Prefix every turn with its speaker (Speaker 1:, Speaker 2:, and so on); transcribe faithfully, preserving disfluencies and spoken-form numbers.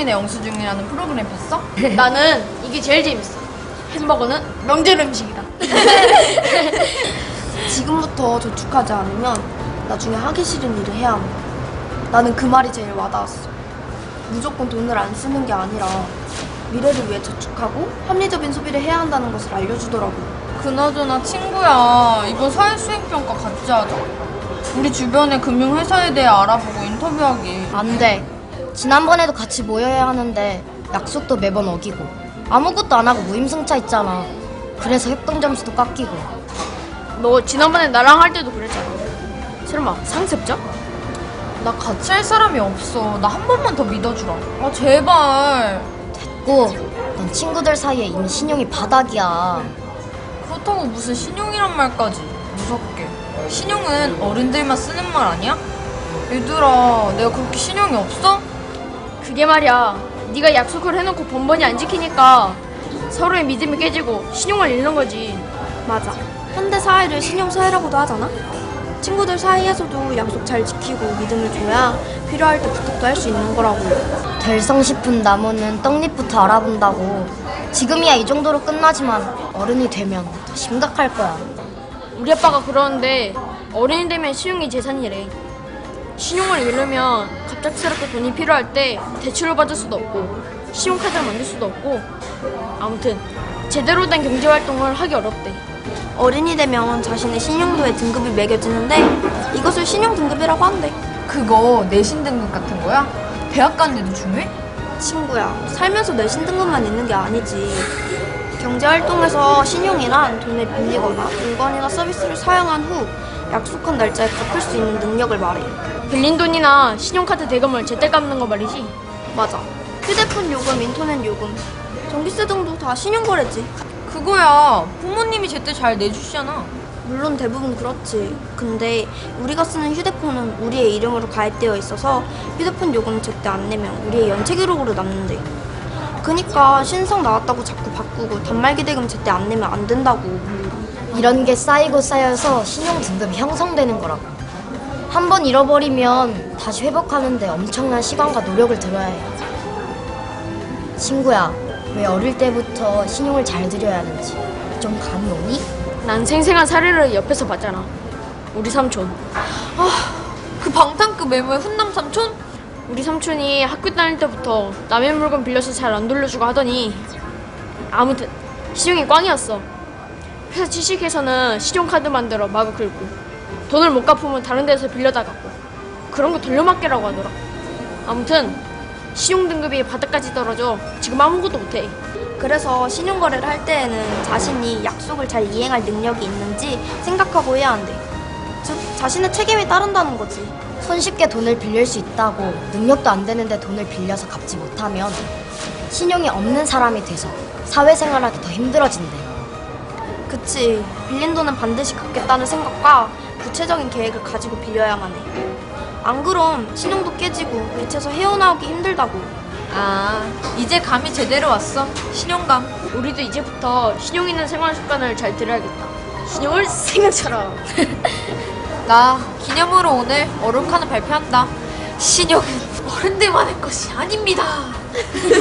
Speaker 1: 신용인의 영수증이라는 프로그램 봤어?
Speaker 2: 나는 이게 제일 재밌어. 햄버거는 명절 음식이다.
Speaker 3: 지금부터 저축하지 않으면 나중에 하기 싫은 일을 해야 한다. 나는 그 말이 제일 와닿았어. 무조건 돈을 안 쓰는 게 아니라 미래를 위해 저축하고 합리적인 소비를 해야 한다는 것을 알려주더라고.
Speaker 1: 그나저나 친구야, 이번 사회수행평가 같이 하자. 우리 주변의 금융회사에 대해 알아보고 인터뷰하기.
Speaker 4: 안 돼. 지난번에도 같이 모여야 하는데 약속도 매번 어기고 아무것도 안 하고 무임승차 있잖아. 그래서 협동 점수도 깎이고.
Speaker 2: 너 지난번에 나랑 할 때도 그랬잖아. 설마 상습자?
Speaker 1: 나 같이 할 사람이 없어. 나 한 번만 더 믿어주라. 아 제발.
Speaker 4: 됐고, 넌 친구들 사이에 이미 신용이 바닥이야.
Speaker 1: 그렇다고 무슨 신용이란 말까지. 무섭게. 신용은 어른들만 쓰는 말 아니야? 얘들아, 내가 그렇게 신용이 없어?
Speaker 2: 그게 말이야. 네가 약속을 해놓고 번번이 안 지키니까 서로의 믿음이 깨지고 신용을 잃는 거지.
Speaker 3: 맞아. 현대 사회를 신용 사회라고도 하잖아. 친구들 사이에서도 약속 잘 지키고 믿음을 줘야 필요할 때 부탁도 할 수 있는 거라고.
Speaker 4: 될성 싶은 나무는 떡잎부터 알아본다고. 지금이야 이 정도로 끝나지만 어른이 되면 더 심각할 거야.
Speaker 2: 우리 아빠가 그러는데 어른이 되면 신용이 재산이래. 신용을 잃으면 갑작스럽게 돈이 필요할 때 대출을 받을 수도 없고 신용카드를 만들 수도 없고 아무튼 제대로 된 경제활동을 하기 어렵대.
Speaker 3: 어른이 되면 자신의 신용도에 등급이 매겨지는데 이것을 신용 등급이라고 한대.
Speaker 1: 그거 내신 등급 같은 거야? 대학 가는데도 중요해?
Speaker 3: 친구야, 살면서 내신 등급만 있는 게 아니지. 경제활동에서 신용이란 돈을 빌리거나 물건이나 서비스를 사용한 후 약속한 날짜에 갚을 수 있는 능력을 말해.
Speaker 2: 빌린 돈이나 신용카드 대금을 제때 갚는 거 말이지.
Speaker 3: 맞아. 휴대폰 요금, 인터넷 요금, 전기세 등도 다 신용거래지.
Speaker 1: 그거야. 부모님이 제때 잘 내주시잖아.
Speaker 3: 물론 대부분 그렇지. 근데 우리가 쓰는 휴대폰은 우리의 이름으로 가입되어 있어서 휴대폰 요금 제때 안 내면 우리의 연체 기록으로 남는데. 그니까 신상 나왔다고 자꾸 바꾸고 단말기 대금 제때 안 내면 안 된다고.
Speaker 4: 이런 게 쌓이고 쌓여서 신용 등급이 형성되는 거라고. 한 번 잃어버리면 다시 회복하는데 엄청난 시간과 노력을 들여야 해. 친구야, 왜 어릴 때부터 신용을 잘 들여야 하는지 좀 감이 오니?
Speaker 2: 난 생생한 사례를 옆에서 봤잖아. 우리 삼촌.
Speaker 1: 그 방탄급 외모의 훈남 삼촌?
Speaker 2: 우리 삼촌이 학교 다닐 때부터 남의 물건 빌려서 잘 안 돌려주고 하더니 아무튼 신용이 꽝이었어. 회사 취직해서는 신용카드 만들어 마구 긁고 돈을 못 갚으면 다른 데서 빌려다 갚고 그런 거 돌려막기라고 하더라. 아무튼 신용 등급이 바닥까지 떨어져 지금 아무것도 못해.
Speaker 3: 그래서 신용거래를 할 때에는 자신이 약속을 잘 이행할 능력이 있는지 생각하고 해야 한대. 즉, 자신의 책임이 따른다는 거지.
Speaker 4: 손쉽게 돈을 빌릴 수 있다고 능력도 안 되는데 돈을 빌려서 갚지 못하면 신용이 없는 사람이 돼서 사회생활하기 더 힘들어진대.
Speaker 3: 그치. 빌린 돈은 반드시 갚겠다는 생각과 구체적인 계획을 가지고 빌려야만 해. 안 그럼 신용도 깨지고 빛에서 헤어나오기 힘들다고.
Speaker 1: 아, 이제 감이 제대로 왔어. 신용감.
Speaker 2: 우리도 이제부터 신용 있는 생활 습관을 잘 들여야겠다. 신용을 생명처럼.
Speaker 1: 나 기념으로 오늘 어록하는 발표한다. 신용은 어른들만의 것이 아닙니다.